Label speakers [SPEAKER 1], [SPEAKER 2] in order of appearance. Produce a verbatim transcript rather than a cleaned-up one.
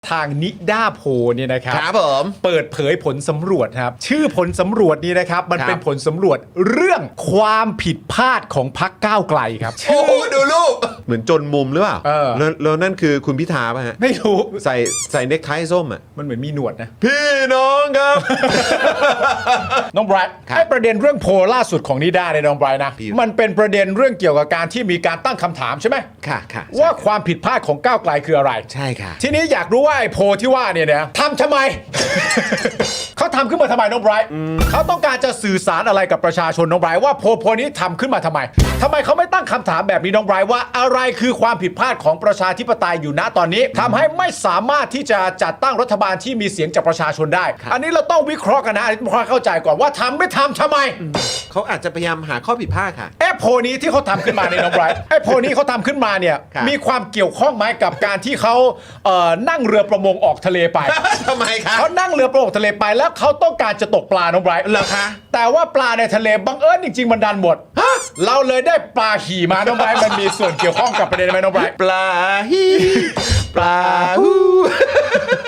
[SPEAKER 1] ทางนิด้าโพเนี่ยนะครับ
[SPEAKER 2] ครับผม
[SPEAKER 1] เปิดเผยผลสำรวจครับชื่อผลสำรวจนี้นะครับมัน
[SPEAKER 2] ครับ
[SPEAKER 1] เป็นผลสำรวจเรื่องความผิดพลาดของพรรคก้าวไกลครับ
[SPEAKER 2] โอ้โหดูรูปเหมือนจนมุมหรือเปล่า
[SPEAKER 1] เออ
[SPEAKER 2] แล้วแล้วนั่นคือคุณพิธาป่ะฮะ
[SPEAKER 1] ไม่รู้
[SPEAKER 2] ใส่ใส่เนคไทส้มอ่ะ
[SPEAKER 1] มันเหมือนมีหนวดนะ
[SPEAKER 2] พี่น้องครับ
[SPEAKER 1] น้องไบรท์
[SPEAKER 2] ครับ
[SPEAKER 1] ไอ้ประเด็นเรื่องโพลล่าสุดของนิด้าเนี่ยน้องไบรท์นะ
[SPEAKER 2] พี่
[SPEAKER 1] มันเป็นประเด็นเรื่องเกี่ยวกับการที่มีการตั้งคำถามใช่ไหม
[SPEAKER 2] ค่ะค่ะ
[SPEAKER 1] ว่าความผิดพลาดของก้าวไกลคืออะไร
[SPEAKER 2] ใช่ค่ะ
[SPEAKER 1] ทีนี้อยากรู้ว่าไอ้โพลที่ว่าเนี่ยนะทำทำไม เขาทำขึ้นมาทำไมน้องไบรท์เขาต้องการจะสื่อสารอะไรกับประชาชนน้องไบรท์ว่าโพลโพลนี้ทำขึ้นมาทำไมทำไมเขาไม่ตั้งคำถามแบบนี้น้องไบรท์ว่าอะไรคือความผิดพลาดของประชาธิปไตยอยู่ณตอนนี้ทำให้ไม่สามารถที่จะจัดตั้งรัฐบาลที่มีเสียงจากประชาชนได้ อันนี้เราต้องวิเคราะห์กันนะอันนี้ต้องเข้าใจก่อนว่าทำไม่ทำทำไม
[SPEAKER 2] เขาอาจจะพยายามหาข้อผิดพลาดค่ะ
[SPEAKER 1] ไอ้โพลนี้ที่เขาทำขึ้นมาเนี่ยน้องไบรท์ไอ้โพลนี้เขาทำขึ้นมาเนี่ย
[SPEAKER 2] ครับ
[SPEAKER 1] มีความเกี่ยวข้องไหมกับการที่เขาเอ่อนั่งเรือประมงออกทะเลไป
[SPEAKER 2] ทำไมคะ
[SPEAKER 1] เขานั่งเรือประมงทะเลไปแล้วเขาต้องการจะตกปลาน้องไบรท์
[SPEAKER 2] เหรอคะ
[SPEAKER 1] แต่ว่าปลาในทะเลบังเอิญจริงๆมันดันหมดเราเลยได้ปลาขี่มาน้องไบรท์มันมีส่วนเกี่ยวข้องกับประเด็นไหมน้องไบรท์
[SPEAKER 2] ปลาฮีปลาฮู